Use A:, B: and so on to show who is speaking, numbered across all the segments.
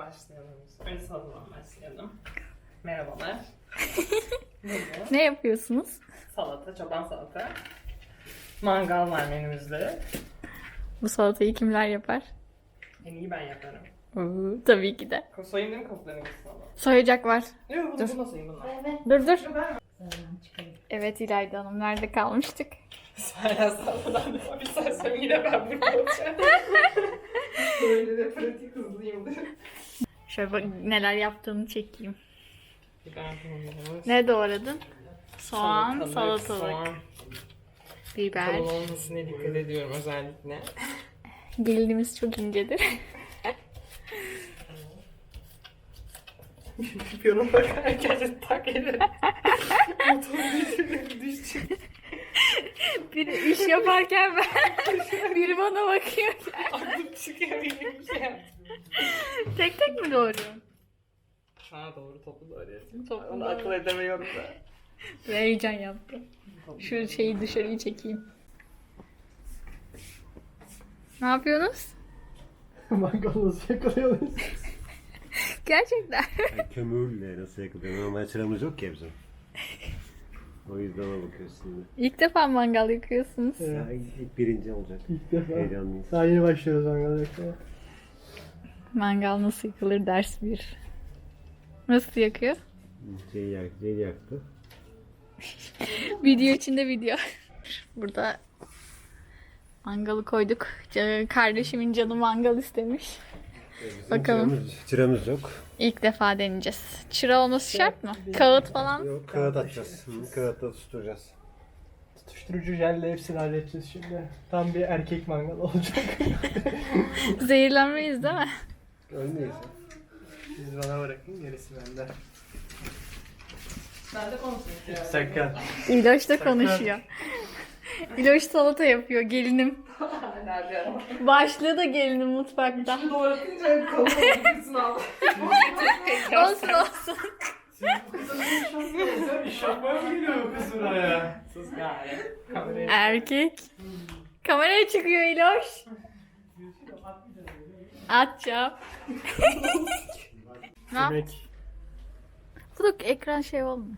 A: Başlayalım. Önce salatadan başlayalım. Merhabalar.
B: Ne yapıyorsunuz?
A: Salata, çoban salata. Mangal var menümüzde.
B: Bu salatayı kimler yapar?
A: En iyi ben yaparım.
B: Tabii ki de.
A: Soyayım değil mi kapıların ikisini ama?
B: Soyacak var.
A: Yok bunu soyayım bunlar.
B: Dur. Evet İlayda Hanım, nerede kalmıştık?
A: Hala salatadan defa bir sarsam yine ben burada olacağım. Böyle de pratik hızlıyımdır.
B: Şöyle bak, neler yaptığını çekeyim.
A: Biber bulunmuş.
B: Ne doğradın? Soğan, salatalık,
A: soğan.
B: biber.
A: Kalın olmasına dikkat ediyorum özellikle.
B: Gelinimiz çok incedir.
A: Piyona bak herkese tak ederim. Motor düşecek.
B: Bir iş yaparken ben biri bana bakıyor.
A: Aklım çıkıyor gibi bir şey yaptım.
B: Tek tek mi doğruyorsun?
A: Ha doğru toplu doğruyorsun.
B: Toplu
A: Onu
B: doğru.
A: akıl edemiyorum da.
B: Ve heyecan yaptım. Şu şeyi dışarıyı çekeyim. Ne yapıyorsunuz?
C: Mangal nasıl yakalıyoruz?
B: Gerçekten.
D: Yani kömürle nasıl yakılıyor? Normal çıramız yok ki bizim. O yüzden ona bakıyoruz şimdi.
B: İlk defa mangal yakıyorsunuz.
C: Evet.
D: Ya ilk birinci olacak.
C: İlk defa.
D: Heyecanlıyız.
C: Daha yeni başlıyoruz mangal yakmaya.
B: Mangal nasıl yakılır ders 1. Nasıl yakıyor?
D: Şeyi yaktı.
B: Video içinde video. Burada mangalı koyduk. Kardeşimin canı mangal istemiş. Bakalım.
D: Çıramız yok.
B: İlk defa deneyeceğiz. Çıra olması şart mı? Kağıt falan.
D: Yok kağıt atacağız. Kağıtta tutturacağız.
C: Tutuşturucu jelle hepsini halledeceğiz şimdi. Tam bir erkek mangal olacak.
B: Zehirlenmeyiz değil mi?
D: Ölmeyiz.
C: Siz bana bırakın, gerisi bende.
A: Ben de konuşuyorum.
C: Sakın.
B: İloş da konuşuyor. İloş salata yapıyor gelinim.
A: Nerede?
B: Başlığı da gelinim mutfakta.
A: Doğratınca kalın olursun al.
B: Olsun olsun.
C: İş yapmaya mı geliyor bu kız buraya?
A: Sus gari. Kamerayı.
B: Erkek. Kameraya çıkıyor İloş. Atacağım. Ne yap?
C: Yemek.
B: Bu da ekran şey olmuyor.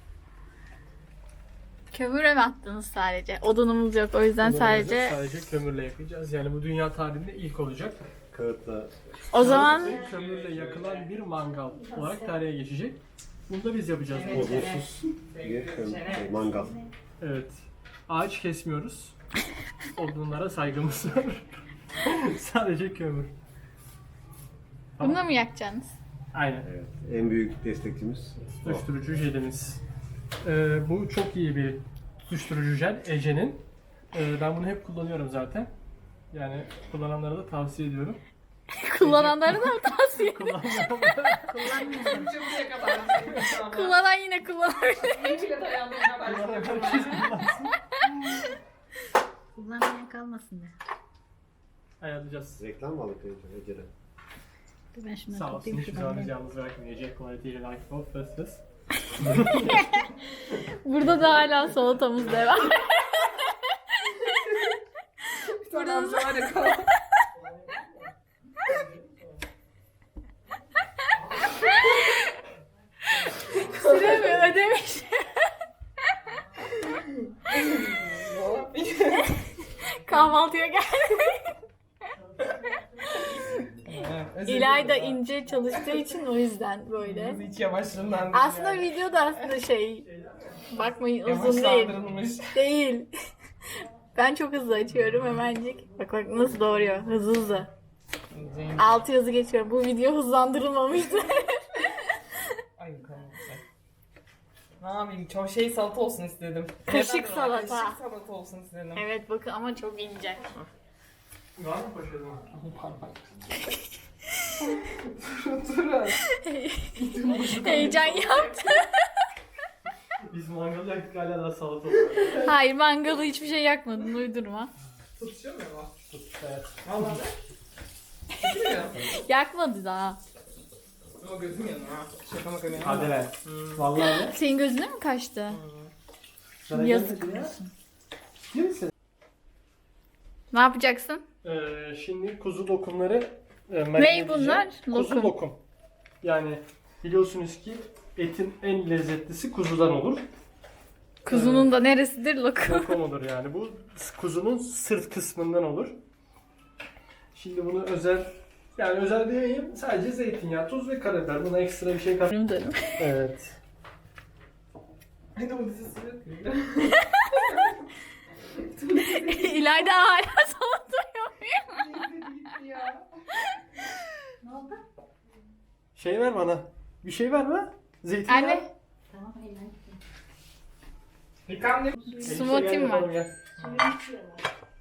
B: Kömüre mi attınız sadece? Odunumuz yok, o yüzden sadece...
C: Sadece kömürle yakacağız. Yani bu dünya tarihinde ilk olacak.
D: Kağıtla
B: O zaman
C: Kömürle yakılan bir mangal olarak tarihe geçecek. Bunu da biz yapacağız.
D: odunsuz bir mangal.
C: Evet. Ağaç kesmiyoruz. Odunlara saygımız var. Sadece kömür.
B: bunu mı yakacaksınız?
C: Aynen.
D: Evet. En büyük destekçimiz o.
C: Tutuşturucu jelimiz. Bu çok iyi bir tutuşturucu jel. Ece'nin. Ben bunu hep kullanıyorum zaten. Yani kullananlara da tavsiye ediyorum.
B: Kullananları da mı tavsiye edin?
A: Şimdiye kadar.
B: Kullanan yine kullanabilir.
A: Hiçbir dayandığına başlıyorum.
B: Kullanmaya kalmasın da.
C: Ayarlayacağız.
D: Reklam mı aldık Ece'den?
B: Ben şunları
C: Sağ olsun.
B: toplayayım
C: Hiçbir
B: ki
C: zaman
B: ben
C: bizi
B: de.
C: yalnız bırakmıyor. Ece quality ile like of fıstıs.
B: Burada da hala salatamız devam. Burada da süre mi ödemiş? Kahvaltıya geldi. İlayda ince çalıştığı için o yüzden böyle.
A: Hiç yavaşlığından değil.
B: Aslında video da aslında şey, bakmayın uzun değil.
A: Yavaşlandırılmış.
B: Değil. Ben çok hızlı açıyorum hemencik. Bak bak nasıl doğruyor. Hızlı hızlı. Altı yazı geçiyorum. Bu video hızlandırılmamıştı.
A: Ay kanka. Ne yapayım? Çok şey salata olsun istedim.
B: Kaşık
A: Neden?
B: salata.
A: Kaşık salata olsun istedim.
B: Evet bakın ama çok ince.
C: Var mı poşetin?
B: Heyecan yaptı.
C: Biz mangalı yaktık hala da salata.
B: Hayır mangalı hiçbir şey yakmadın uydurma.
A: Tutuşuyor mu ama?
C: Evet.
A: Vallahi de. Tutuşuyor.
B: Yakmadı daha.
A: Ama gözüm yanıyor ha. Şaka maka yanıyor.
C: Hadi be. Vallahi.
B: Senin gözüne mi kaçtı?
C: Sana
B: Yazık.
C: gelmedi ya. Kimsin?
B: Ne yapacaksın?
C: Şimdi kuzu lokumları
B: Ney bunlar?
C: Kuzu
B: Lokum.
C: lokum. Yani biliyorsunuz ki etin en lezzetlisi kuzudan olur.
B: Kuzunun da neresidir lokum?
C: Lokum olur yani. Bu kuzunun sırt kısmından olur. Şimdi bunu yani özel demeyeyim. Sadece zeytinyağı, tuz ve karabiber. Buna ekstra bir şey kat.
B: Dedim.
C: Evet.
A: Bir de bu dizisi yok ya.
B: İlayda hala sallatıyor.
A: Gitti ya.
E: Ne oldu?
C: Şey ver bana. Bir şey ver bana. Zeytinyağı.
B: Anne.
E: Tamam elinden gitti.
A: Yıkan ne?
B: Smoothie'm var.
E: Suyunu içiyorlar.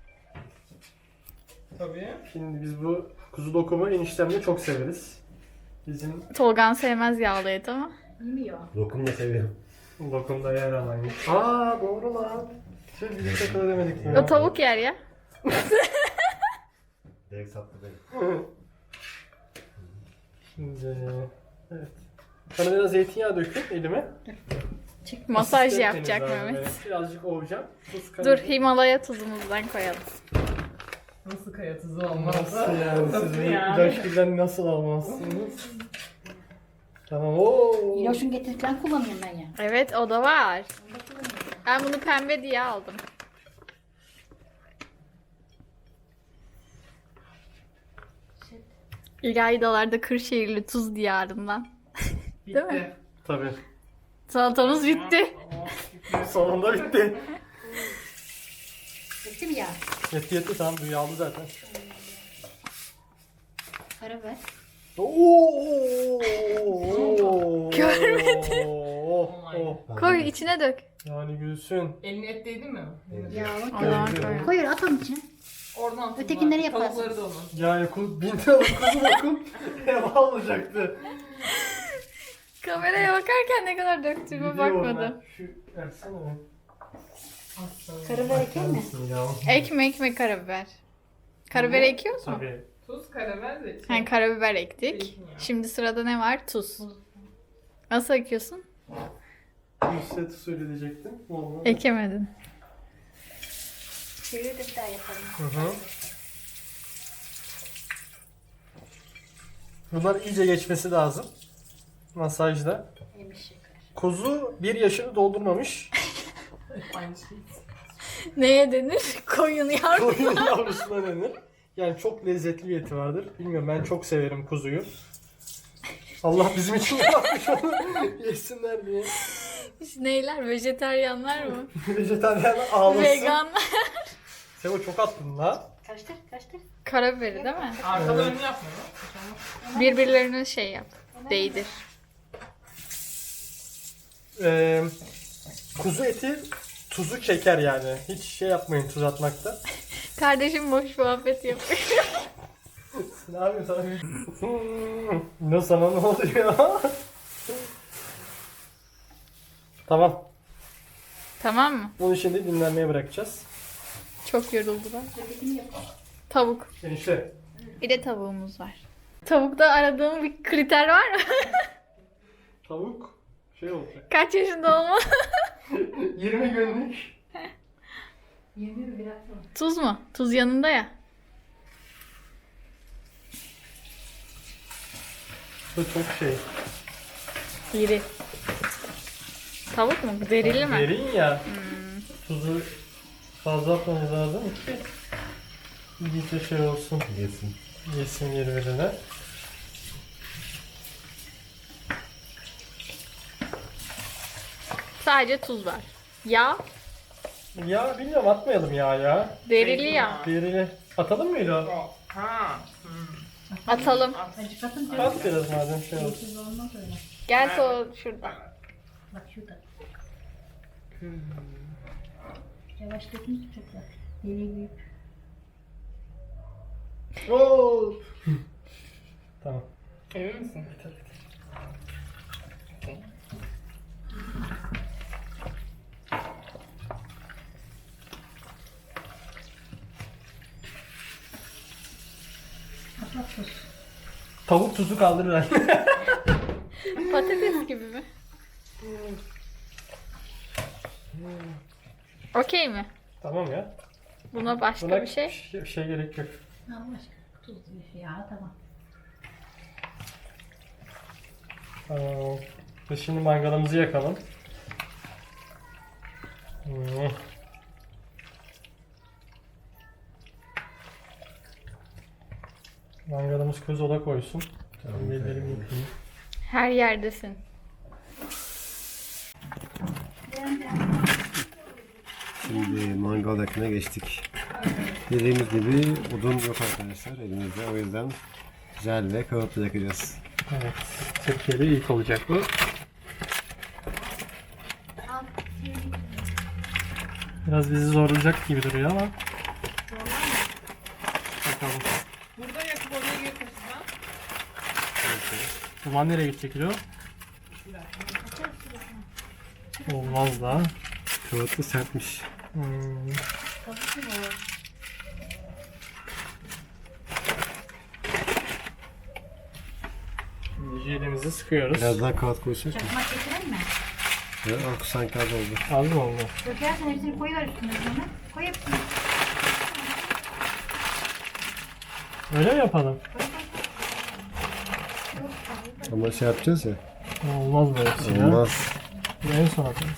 A: Tabii.
C: Şimdi biz bu kuzu lokumu eniştemle çok severiz. Bizim
B: Tolgan sevmez yağlı et ama.
E: Yemiyor.
D: Lokum da seviyorum.
C: lokumda yer alaymış. Aa doğru lan. Biz hiç akıl edemedik ya.
B: O tavuk yer ya.
D: Direkt sattı beni.
C: Şimdi evet. Sana biraz zeytinyağı dökün elime.
B: Masaj
C: Asistan
B: yapacak
C: deniz abi
B: Mehmet.
C: böyle. Birazcık ovacağım. Tuz
B: Dur
C: karabiber.
B: Himalaya tuzumuzdan koyalım.
A: Nasıl kaya tuzu olmaz?
C: Nasıl yani? Siz
A: Nasıl
C: bu
A: yani?
C: ilaç gülden nasıl almazsınız? Tamam ooo.
E: İloşun getirdiklerini kullanıyorum ben ya.
B: Evet o da var.
E: Onu da kullanıyorum.
B: Ben bunu pembe diye aldım. İlaydalarda Kırşehirli tuz diyarından. Değil mi?
A: Bitti.
C: Tabii.
B: Salatamız bitti.
C: Sonunda bitti.
E: Bitti mi ya?
C: Yetti tamam bu yağlı zaten.
E: Karabiber.
C: Oo.
B: Görmedim.
C: Oh.
B: Koy içine dök.
C: Yani gülsün.
A: Elini et değdi mi?
E: Yağlı
B: Allah'ım
E: koy.
B: koy.
E: Koy at onun içine.
A: Oradan
E: Ötekileri
A: tuzlar,
E: yaparsın.
A: Tavukları da onun.
C: Yani bin liralık kuzu lokum heva olacaktı.
B: Kameraya bakarken ne kadar döktüğüme
C: Biliyorum
B: bakmadım.
C: ben. Şu versene ben.
E: Karabiber eker mi?
C: Ya.
B: Ekme karabiber. Karabiber ekiyoruz mu?
C: Tabii.
A: Tuz, karabiber, zeytin.
B: Yani karabiber ektik.
A: Zeytinyağı.
B: Şimdi sırada ne var? Tuz. Nasıl ekiyorsun?
C: Nusret usulü diyecektim. Olmadı.
B: Ekemedin.
E: Çevir de bir daha yapalım.
C: Hı hı. Bunlar iyice geçmesi lazım. Masajda.
E: Yemiş şeker.
C: Kuzu 1 yaşını doldurmamış.
A: Aynı şey.
B: Neye denir? Koyun yavru.
C: Koyun yavrusuna denir. Yani çok lezzetli bir eti vardır. Bilmiyorum ben çok severim kuzuyu. Allah bizim için yapmış onu yesinler diye.
B: Neyler? Vejeteryanlar mı?
C: Vejetaryenler ağlasın.
B: Veganlar.
C: Sevo çok attın la.
E: Karıştır karıştır.
B: Karabiberi değil mi?
A: Arkalarını yapmıyor mu?
B: Birbirlerine şey yap. Değdir.
C: Kuzu eti tuzu çeker yani. Hiç şey yapmayın tuz atmakta.
B: Kardeşim boş muhabbet yapıyor.
C: Ne yapayım sana? Ne sana ne oluyor? Tamam.
B: Tamam mı?
C: Bunu şimdi dinlenmeye bırakacağız.
B: Çok yoruldular.
E: Ötekini yap.
B: Tavuk.
C: Enişte.
B: Bir de tavuğumuz var. Tavukta aradığım bir kriter var mı?
C: Tavuk şey olacak.
B: Kaç yaşında olmalı?
C: 20 günlük.
E: 21 bir hafta.
B: Tuz mu? Tuz yanında ya.
C: Bu çok şey.
B: İri. Tavuk mu? Derili mi?
C: Derin ya. Tuzu fazla atmamız lazım ki iyice şey olsun.
D: Yesin.
C: Yesin birbirine.
B: Sadece tuz var. Yağ.
C: Ya bilmiyorum atmayalım ya.
B: Derili yağ.
C: Derine. Atalım mı İlo?
A: Ha.
B: Atalım.
E: Acıkatın
C: At biraz madem şey olsun.
E: Siz olmaz öyle.
B: Gel o şurada.
E: Bak şurada. Yavaş dökün çok da. Deliği büyük.
C: Oo. Tamam.
A: Emin misin?
E: Bak tuz.
C: Tavuk tuzu kaldırır herhalde.
B: Patates gibi mi? Okey mi?
C: Tamam ya.
B: Buna başka
C: Buna
B: bir şey.
C: şey gerek yok.
E: Allah aşkına tuz diyor ya tamam.
C: Tamam. Biz şimdi mangalımızı yakalım. Hmm. Mangalımız közola koysun. Tamam, ellerimi yıkayayım.
B: Her yerdesin.
D: Şimdi mangal yakına geçtik. Dediğimiz gibi odun yok arkadaşlar elimizde. O yüzden jel ve kağıtla yakacağız.
C: Evet. Türkiye'de ilk olacak bu. Biraz bizi zorlayacak gibi duruyor ama. Bakalım.
A: Burada yakıp oraya götürsen.
C: Duman nereye gidecek kilo? Olmaz da.
D: Kağıt da sertmiş.
C: Hmm. Şimdi jelimizi sıkıyoruz.
D: Biraz daha kağıt koysak mı?
E: Çakmak getirelim mi?
D: Ya, sanki az oldu.
C: Az mı oldu?
E: Dökersen hepsini koyuver üstüne sonra. Koy hepsini.
C: Öyle mi yapalım?
D: Ama şey yapacağız ya.
C: Olmaz böyle bir şey ya.
D: Olmaz.
C: En son atarız.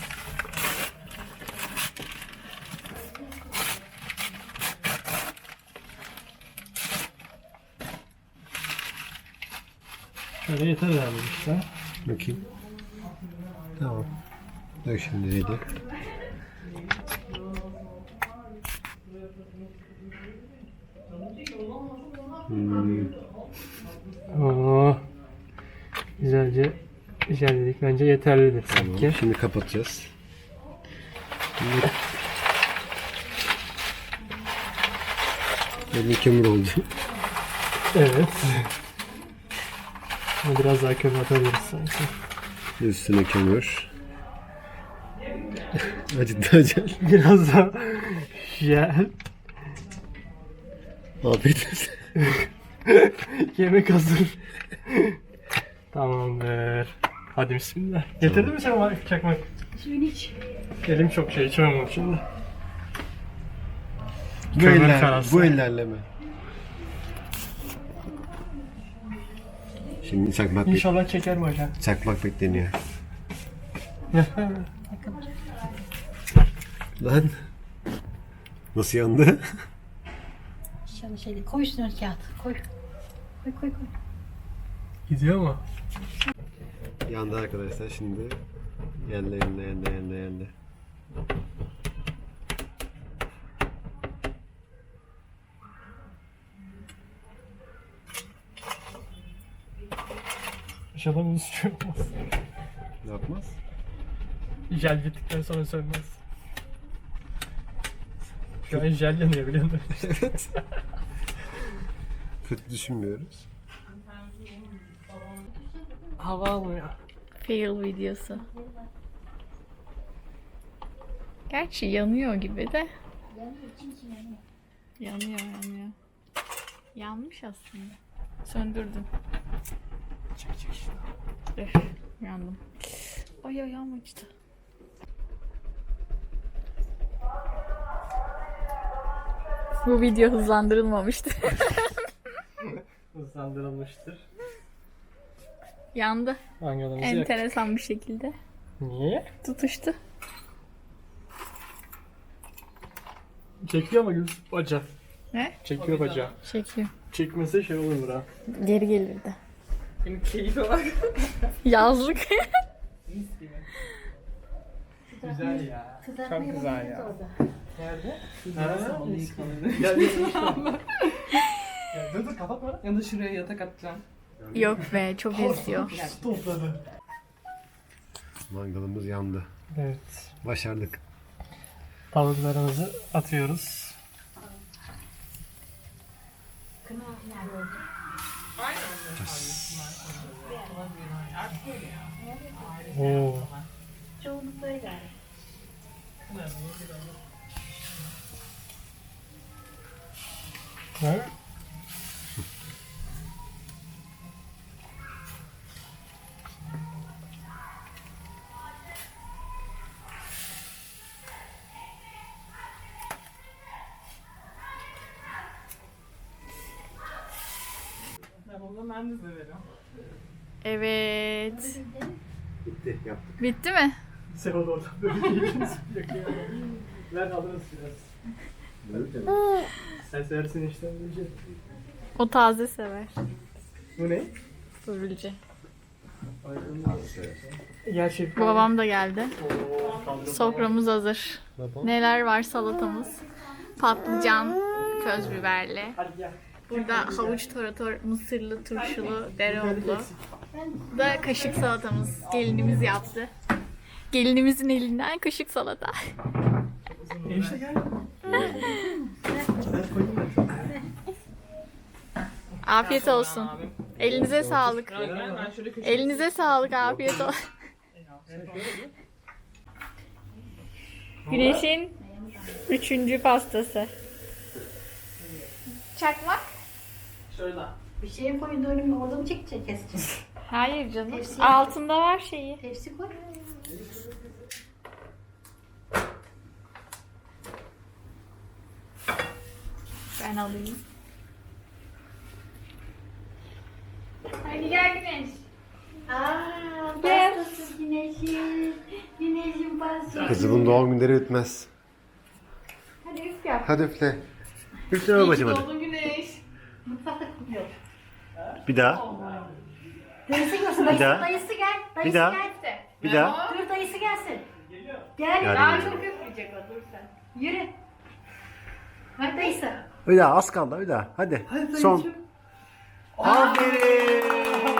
C: Şöyle yeter herhalde işte.
D: Bakayım. Tamam. Dök şimdi jeli.
C: Oo. Güzelce jelledik. Bence yeterlidir sanki.
D: Tamam. Şimdi kapatacağız. Şimdi... Elim kömür oldu.
C: Evet. Ama biraz daha kömür atabiliriz sanki.
D: Üstüne kömür. Acıdı acel.
C: Biraz daha jel.
D: Afiyet olsun.
C: Yemek hazır. Tamamdır. Hadi bismillah. Getirdin mi sen çakmak?
E: Suyunu iç.
C: Elim çok şey içemem şimdi.
D: Bu,
C: Kömür karası.
D: bu ellerle mi? Şimdi çakmak,
C: İnşallah çeker mi hocam?
D: çakmak bekleniyor. Lan. Nasıl yandı?
E: İnşallah şeyde. Koy üstüne kağıt. Koy. Koy koy koy.
C: Gidiyor mu?
D: Yandı arkadaşlar şimdi. Yandı.
C: İnşallah bunu suçu olmaz.
D: Ne yapmaz?
C: Jel bittikten sonra sönmez. Şu an jel yanıyor biliyor musun?
D: Evet. Kötü düşünmüyoruz.
C: Hava almıyor.
B: Fail videosu. Gerçi yanıyor gibi de. Yanıyor. Yanmış aslında. Söndürdüm.
C: Çek şunu.
B: Yandım. Ay ayağım acıdı. Bu video hızlandırılmamıştı.
C: Hızlandırılmıştır.
B: Yandı.
C: Mangalımızı yak.
B: Enteresan bir şekilde.
C: Niye?
B: Tutuştu.
C: Çekiyor ama Gül bacağı.
B: Ne?
C: Çekiyor bacağı.
B: Çekiyor.
C: Çekmese şey olur ha.
B: Geri gelirdi.
A: Benim keyfi var.
B: Yazlık.
C: Güzel ya.
E: Kızartma
A: Çok güzel
E: yapabiliriz
A: ya.
E: orada.
C: Nerede?
A: Gel
C: Ya, dur kapatma.
A: Ya da şuraya yatak atacağım.
B: Yok be çok esiyor.
C: Topladı.
D: Mangalımız yandı.
C: Evet.
D: Başardık.
C: Tavuklarımızı atıyoruz.
E: Kına nerede oldu?
C: Oo.
E: Çoğunlukla öyle.
C: Ha?
A: Ben onu ben de severim.
B: Evet.
D: Bitti, yaptık.
B: Bitti mi?
C: Sen onu oradan böyle değilsiniz. Ben alırız biraz. Sen seversin işte.
B: O taze sever.
C: Bu ne?
B: Börülce.
C: Gerçekten.
B: Babam da geldi.
C: Oo,
B: Soframız hazır. Neler var salatamız? Patlıcan, köz biberli.
C: Hadi gel.
B: Burada havuç tarator, mısırlı, turşulu, dereotlu. Bu da kaşık salatamız. Gelinimiz yaptı. Gelinimizin elinden kaşık salata.
C: Enişte gel.
B: Afiyet olsun. Elinize sağlık. Elinize sağlık, afiyet olsun. Güneşin 3. pastası. Çakmak?
C: Şurada.
E: Bir şeye koy doğru orada mı çekecek keseceğim?
B: Hayır canım.
E: Tepsi.
B: Altında var şeyi.
E: Tepsi koy.
B: Ben alayım. Hadi gel Güneş. Gel.
E: Pastası güneşin. Güneşin pastası.
D: Kızımın doğum günleri bitmez.
B: Hadi üf yap.
D: Hadi üfle. Üfle babacım hadi.
A: Doğdun Güneş.
E: Mutfakta kutluyor.
D: Bir daha.
E: Dayısı görsün.
D: Bir daha.
E: Dayısı gel. Dayısı
D: Bir daha.
E: gel.
D: Bir daha.
E: Dur dayısı gelsin. Gel.
D: Yani-
E: Daha çok üfleyecek o dur sen. Yürü. Hadi dayısı.
D: Bir daha az kaldı bir daha. Hadi. Son. Aferin.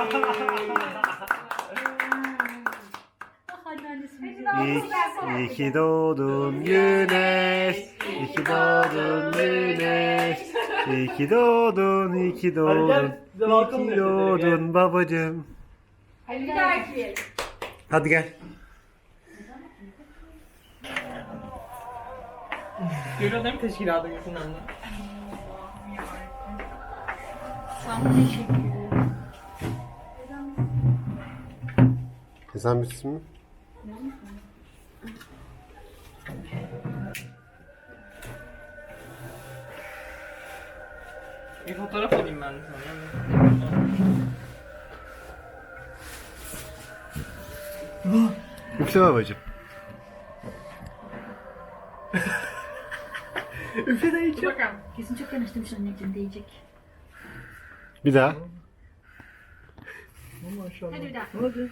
E: Hadi annesi.
D: İyi ki doğdun güneş. İyi ki doğdun güneş. İyi ki doğdun, iyi ki doğdun.
C: Bize
D: İyi
C: balkon
D: ki doğdun babacığım.
B: Hadi bir daha ekleyelim.
D: Hadi gel.
A: Görüyor değil mi teşkilatı yakından da?
D: Ezan bitsin mi?
A: Bir fotoğraf alayım ben de sana.
D: Üfle babacığım.
A: Bakalım.
E: Kesin çok yanaştırmış anneciğim diyecek.
D: Bir daha.
E: Hadi bir daha.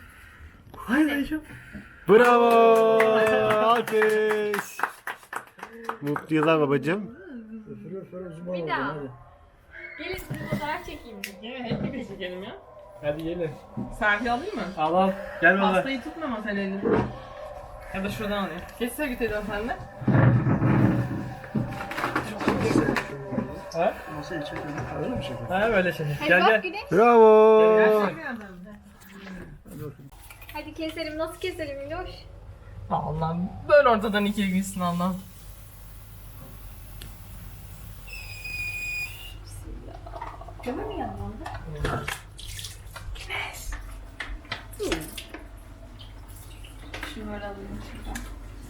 D: Bravo. Alkış. Mutlu yıllar babacığım.
B: Bir daha. Gelin size fotoğraf çekeyim.
A: Gel hep birlikte çekelim ya.
C: Hadi gelin.
A: Selfie alayım mı?
C: Al al. Gel baba.
A: Pastayı tutma ama sen elini. Ya da şuradan alayım. Geçsene git Eda sen de.
C: Ha? Ha böyle şey.
B: Hadi
C: Gel
B: bak
C: gel.
B: Güneş.
D: Bravo.
B: Hadi keselim. Nasıl keselim Miloş?
A: Allah'ım böyle ortadan ikiye gitsin Allah'ım.
E: Kömür mü yandı orada?
B: Şunu böyle alayım şuradan.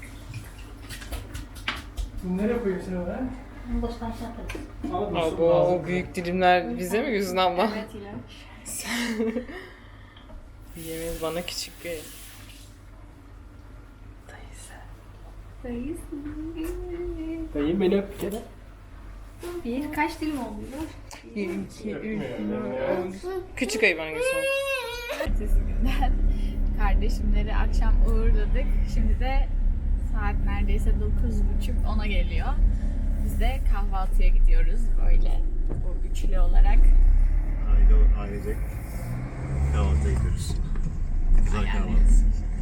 C: Bunu nereye koyuyorsun oraya?
E: Bunu boştan şey yaparız.
C: Al
A: O büyük dilimler bize mi Güzin abla?
B: Evet İlaç.
A: Yemeğiniz bana küçük bir.
C: Dayım beni öp bir kere.
B: Bir kaç dilim oldu Miloş?
A: 1, 2, 3, Küçük ayı bana Güzin abla.
B: Ertesi günden kardeşimleri akşam uğurladık. Şimdi de saat neredeyse 9.30-10'a geliyor. Biz de kahvaltıya gidiyoruz böyle bu üçlü olarak.
D: Ailecek kahvaltıya gidiyoruz. Güzel kahvaltı.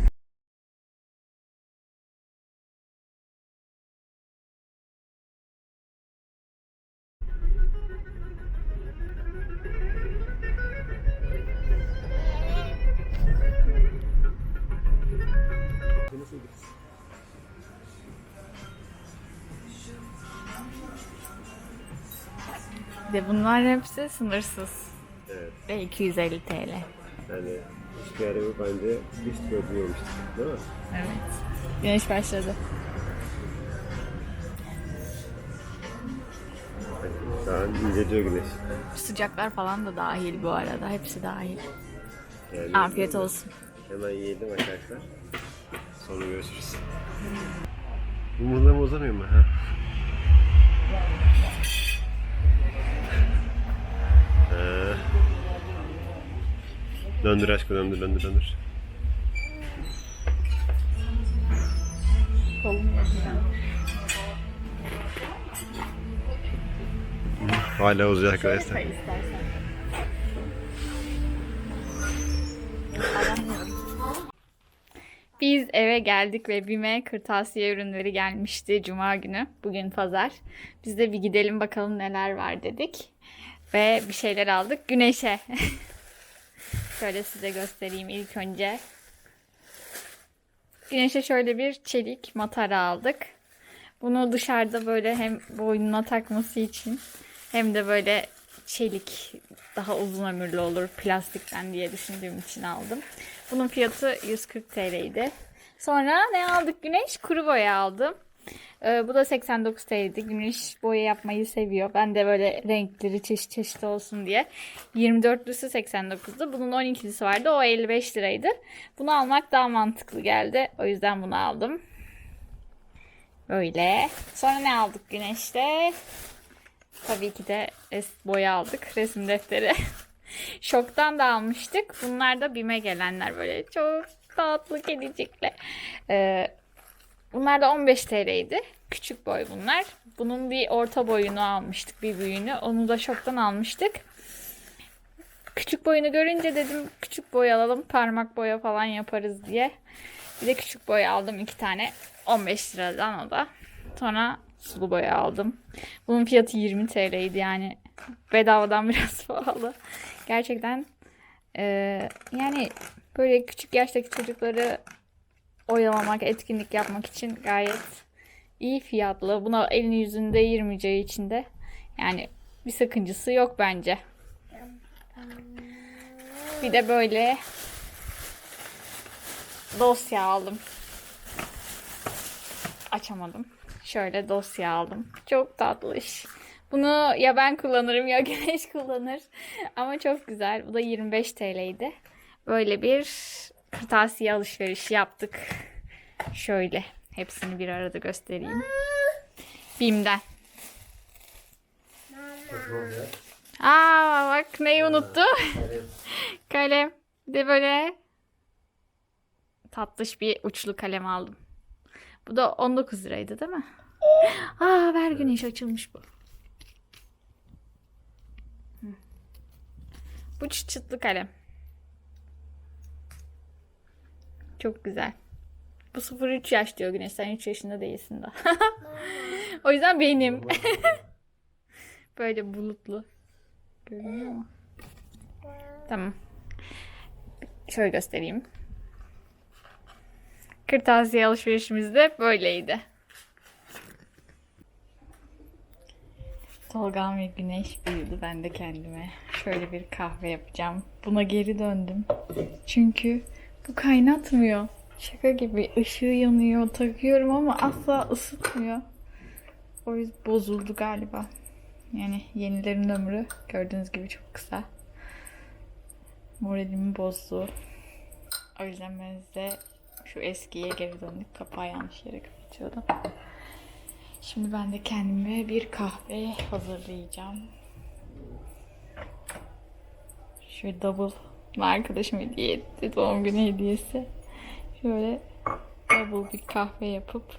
B: De bunlar hepsi sınırsız.
D: Evet.
B: Ve 250 TL.
D: Yani hiçbir yere bence hiç görmemiştik, değil mi?
B: Evet. Güneş başladı.
D: Şu an inceliyor güneş.
B: Sıcaklar falan da dahil bu arada. Hepsi dahil.
D: Yani
B: Afiyet olsun.
D: hemen yiyelim arkadaşlar. Sonra görüşürüz. Bu muzlarımı uzamıyor mu? Ha. Döndür aşkım, döndür. Hala uzuyor arkadaşlar.
B: Biz eve geldik ve BİM'e kırtasiye ürünleri gelmişti Cuma günü. Bugün pazar. Biz de bir gidelim bakalım neler var dedik. Ve bir şeyler aldık. Güneş'e. Şöyle size göstereyim ilk önce. Güneş'e şöyle bir çelik matara aldık. Bunu dışarıda böyle hem boynuna takması için hem de böyle çelik daha uzun ömürlü olur plastikten diye düşündüğüm için aldım. Bunun fiyatı 140 TL'ydi. Sonra ne aldık Güneş? Kuru boya aldım. Bu da 89 TL'ydi. Güneş boya yapmayı seviyor. Ben de böyle renkleri çeşit çeşit olsun diye. 24'lüsü 89'du. Bunun 12'lisi vardı. O 55 liraydı. Bunu almak daha mantıklı geldi. O yüzden bunu aldım. Böyle. Sonra ne aldık Güneş'te? Tabii ki de boya aldık. Resim defteri. Şok'tan da almıştık. Bunlar da BİM'e gelenler böyle çok tatlı kedicikler. Bunlar da 15 TL'ydi. Küçük boy bunlar. Bunun bir orta boyunu almıştık, bir büyüğünü. Onu da Şok'tan almıştık. Küçük boyunu görünce dedim küçük boy alalım. Parmak boya falan yaparız diye. Bir de küçük boy aldım 2 tane. 15 liradan o da. Sonra sulu boya aldım. Bunun fiyatı 20 TL'ydi yani. Bedavadan biraz pahalı. Gerçekten yani böyle küçük yaştaki çocukları oyalamak, etkinlik yapmak için gayet iyi fiyatlı. Buna elini yüzünü değirmeyeceği için de yani bir sakıncası yok bence. Bir de böyle dosya aldım. Açamadım. Şöyle dosya aldım. Çok tatlış. Bunu ya ben kullanırım ya Güneş kullanır. Ama çok güzel. Bu da 25 TL'ydi. Böyle bir kırtasiye alışverişi yaptık. Şöyle. Hepsini bir arada göstereyim. BİM'den. Aa bak neyi unuttu? Kalem. Bir de böyle tatlış bir uçlu kalem aldım. Bu da 19 liraydı değil mi? Aa ver Güneş açılmış bu. Bu çıtlı kalem. Çok güzel. Bu 0-3 yaş diyor Güneş. Sen 3 yaşında değilsin daha. O yüzden benim. Böyle bulutlu. Görünüyor mu? Tamam. Şöyle göstereyim. Kırtasiye alışverişimiz de böyleydi. Tolga ve Güneş büyüdü. Ben de kendime şöyle bir kahve yapacağım. Buna geri döndüm. Çünkü bu kaynatmıyor. Şaka gibi ışığı yanıyor. Takıyorum ama asla ısıtmıyor. O yüzden bozuldu galiba. Yani yenilerin ömrü gördüğünüz gibi çok kısa. Moralimi bozdu. O yüzden ben size şu eskiye geri döndük. Kapağı yanlış yere kapatıyordum. Şimdi ben de kendime bir kahve hazırlayacağım. Şöyle double arkadaşım hediye etti. Doğum günü hediyesi. Şöyle double bir kahve yapıp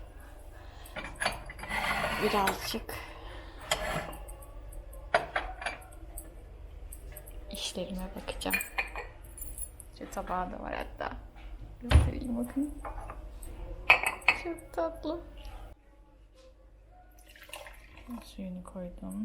B: birazcık işlerime bakacağım. Şu tabağı da var hatta. Göstereyim bakın. Çok tatlı. Suyunu koydum.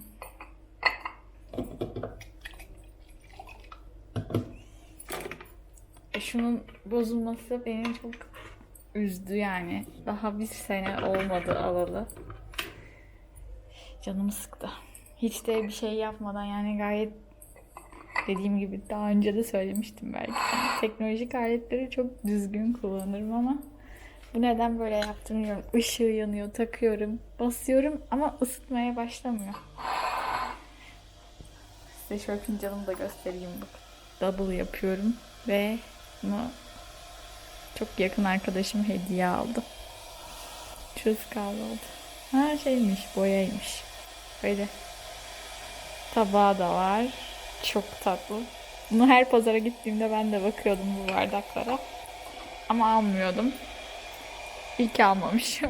B: Şunun bozulması beni çok üzdü yani. Daha bir sene olmadı alalı. Canımı sıktı. Hiç de bir şey yapmadan yani gayet dediğim gibi daha önce de söylemiştim belki. Teknolojik aletleri çok düzgün kullanırım ama bu neden böyle yaptım bilmiyorum. Işığı yanıyor, takıyorum, basıyorum ama ısıtmaya başlamıyor. Size şöyle fincanımı da göstereyim bak. Double yapıyorum. Ve bunu çok yakın arkadaşım hediye aldı. Çöz kahvaltı. Ha şeymiş, boyaymış. Böyle tabağı da var. Çok tatlı. Bunu her pazara gittiğimde ben de bakıyordum bu bardaklara. Ama almıyordum. İyi ki almamışım.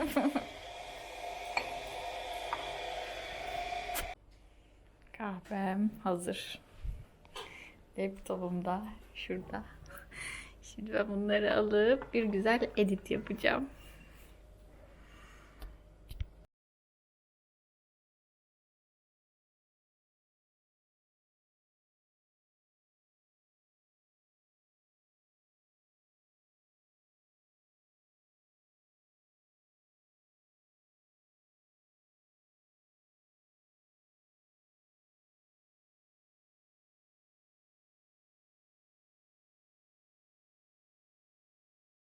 B: Kahvem hazır. Laptopum da şurada. Şimdi ben bunları alıp bir güzel edit yapacağım.